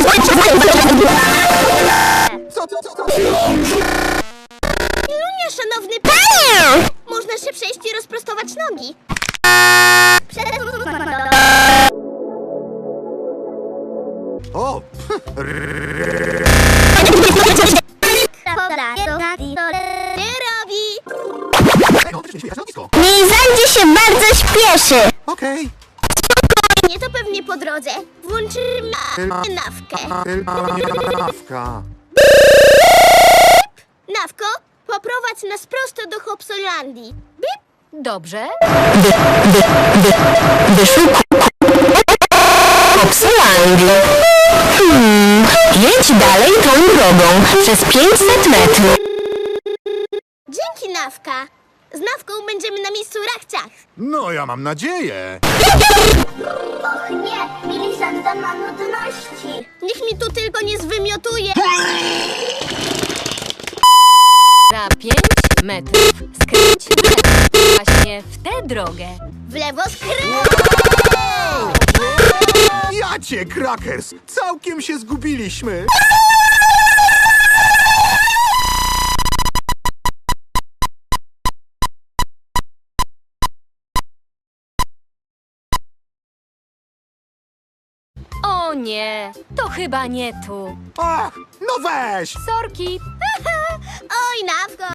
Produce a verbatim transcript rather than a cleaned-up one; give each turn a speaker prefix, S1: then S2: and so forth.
S1: Co, co, co, co?
S2: Ilunia, szanowny panie! Można się przejść i rozprostować nogi.
S1: O!
S2: Nie robi!
S1: Ej, no, też nie śmiejesz, lotnisko.
S2: Mizandzie się bardzo śpieszy.
S1: Okej.
S2: Nie, to pewnie po drodze. Włączymy nawkę.
S1: Nawka.
S2: Nawko, poprowadź nas prosto do Hopsolandii. Bip.
S3: Dobrze.
S4: Wyszukuj Hopsolandii. Hmm, jedź dalej tą drogą przez pięćset metrów.
S2: Dzięki, Nawka. Z Nawką będziemy na miejscu rachciach.
S1: No, ja mam nadzieję.
S2: Och nie, Milisanda ma nudności. Niech mi tu tylko nie zwymiotuje.
S3: Za pięć metrów skręć w lewo. Właśnie w tę drogę.
S2: W lewo skręt.
S1: Ja cię, Crackers! Całkiem się zgubiliśmy.
S3: O nie, to chyba nie tu.
S1: Ach, no weź!
S3: Sorki.
S2: Oj, Nawko.